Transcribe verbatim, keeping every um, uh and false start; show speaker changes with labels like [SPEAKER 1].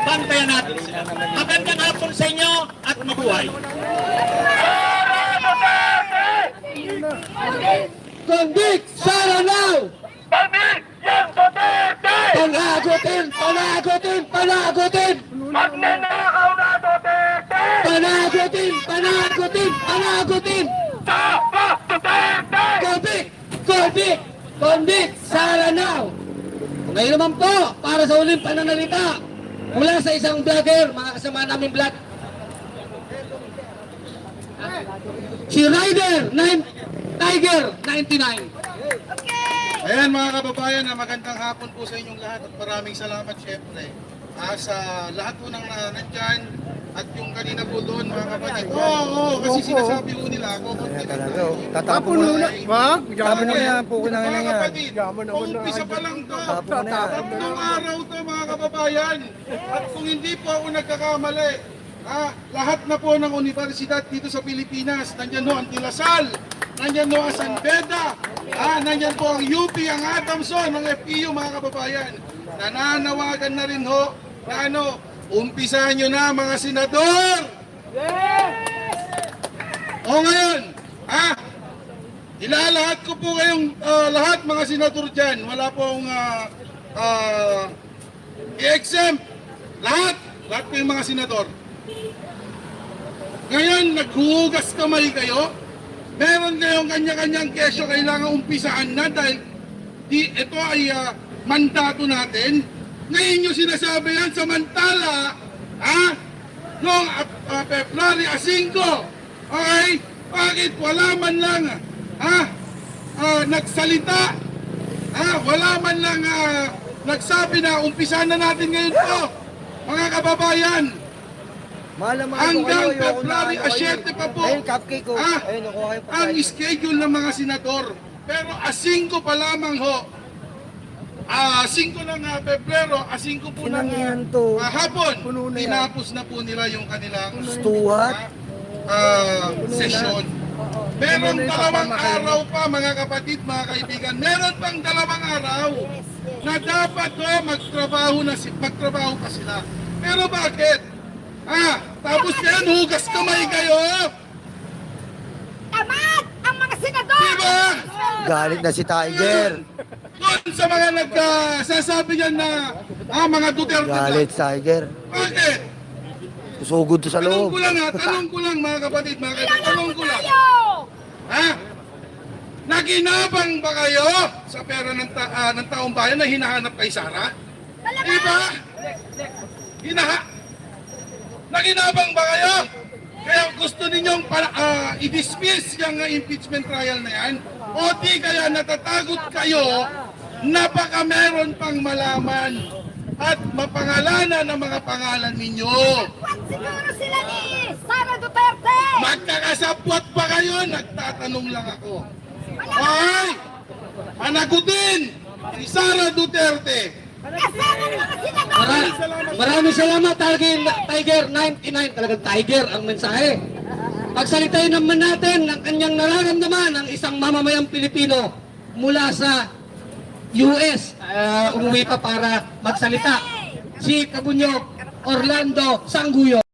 [SPEAKER 1] bantayan natin sila. Magandang hapon sa inyo at mabuhay.
[SPEAKER 2] Convict Sara now!
[SPEAKER 3] Convict yung Duterte!
[SPEAKER 2] Panagutin! Panagutin! Panagutin!
[SPEAKER 3] Magnanakaw na Duterte!
[SPEAKER 2] Panagutin! Panagutin! Panagutin!
[SPEAKER 3] Tama Duterte!
[SPEAKER 2] Convict! Convict! Convict Sara now! Ngayon naman po, para sa uling pananalita, mula sa isang vlogger, mga kasama namin vlog, si Rider nine, Tiger ninety-nine.
[SPEAKER 4] Ayan mga kababayan, na magandang hapon po sa inyong lahat at maraming salamat syempre ah, sa lahat po ng uh, nandyan at yung kanina po doon mga kapatid. Oo, oh, oh, kasi sinasabi po nila ako.
[SPEAKER 5] Kaya talaga, oh. Tatapon mo na.
[SPEAKER 4] Wag,
[SPEAKER 5] Tapon mo na yan, puko na
[SPEAKER 4] mga
[SPEAKER 5] yan.
[SPEAKER 4] kapatid, umpisa pa lang to.
[SPEAKER 5] Tapon mo na yan.
[SPEAKER 4] Tatlong araw to mga kababayan. At kung hindi po ako nagkakamali, ah, lahat na po ng universidad dito sa Pilipinas, nandyan ho ang Tilasal, nandyan ho ang San Beda, ah, nandyan po ang U P, ang Adamson, ang F E U mga kababayan. Nananawagan na rin ho na ano, umpisahan nyo na mga senador! O ngayon, ah, ilalahat ko po kayong ah, lahat mga senador dyan. Wala pong ah, ah, i-exempt. Lahat, lahat po yung mga senador. Ngayon, naghuhugas kamay kayo. Meron kayong kanya-kanyang kesyo, kailangan umpisaan na dahil di, ito ay uh, mandato natin. Ngayon nyo sinasabi yan, samantala, ah, noong uh, February five, okay, bakit wala man lang, ah, uh, nagsalita, ah, wala man lang uh, nagsabi na umpisahan na natin ngayon po, mga kababayan.
[SPEAKER 5] Malam
[SPEAKER 4] Hanggang February seven pa po,
[SPEAKER 5] ayun, cupcake ko.
[SPEAKER 4] ah,
[SPEAKER 5] Ayun, nakuha kayo pa.
[SPEAKER 4] ang schedule ng mga senador. Pero a five pa lamang ho, ah, five ng uh, Pebrero, a five po ng
[SPEAKER 5] Kinangihan to.
[SPEAKER 4] uh, hapon,
[SPEAKER 5] Puno na yan.
[SPEAKER 4] tinapos na po nila yung kanilang
[SPEAKER 5] Stuhat.
[SPEAKER 4] uh, session. Meron dalawang araw pa mga kapatid, mga kaibigan. Meron pang dalawang araw na dapat ho, magtrabaho, na, si- magtrabaho pa sila. Pero bakit? Ah, tapos yan, hugas kamay kayo.
[SPEAKER 6] Tamad ang mga senador!
[SPEAKER 4] Diba?
[SPEAKER 5] Galit na si Tiger.
[SPEAKER 4] Doon sa mga nagsasabi uh, yan na ah, mga Duterte.
[SPEAKER 5] Galit Tiger.
[SPEAKER 4] Bakit?
[SPEAKER 5] Susugod to sa
[SPEAKER 4] Tanong
[SPEAKER 5] loob.
[SPEAKER 4] ko lang ha, tanong ko lang mga kapatid, mga kapatid, tanong ko lang.
[SPEAKER 6] Tayo!
[SPEAKER 4] Ha? Naginabang ba kayo sa pera ng, ta ah, ng taong bayan na hinahanap kay Sara?
[SPEAKER 6] Talaga?
[SPEAKER 4] Diba? Hinaha? Naginabang ba kayo? Kaya gusto ninyong para, ah, i-dismiss yung uh, impeachment trial na yan? O di kaya natatagot kayo na baka meron pang malaman at mapangalanan ang mga pangalan ninyo?
[SPEAKER 6] What siguro sila ni Sara Duterte?
[SPEAKER 4] Magkakasapwat pa kayo? Nagtatanong lang ako. Ay! Panagutin! Si Sara Duterte!
[SPEAKER 6] Kasama ng mga senador!
[SPEAKER 2] Mara- maraming salamat, Tiger, Tiger ninety-nine. Talagang Tiger ang mensahe. Pagsalitain naman natin ng kanyang nararamdaman ng isang mamamayang Pilipino mula sa U S. Uh, umuwi pa para magsalita. Si Kabunyog Orlando Sangguyo.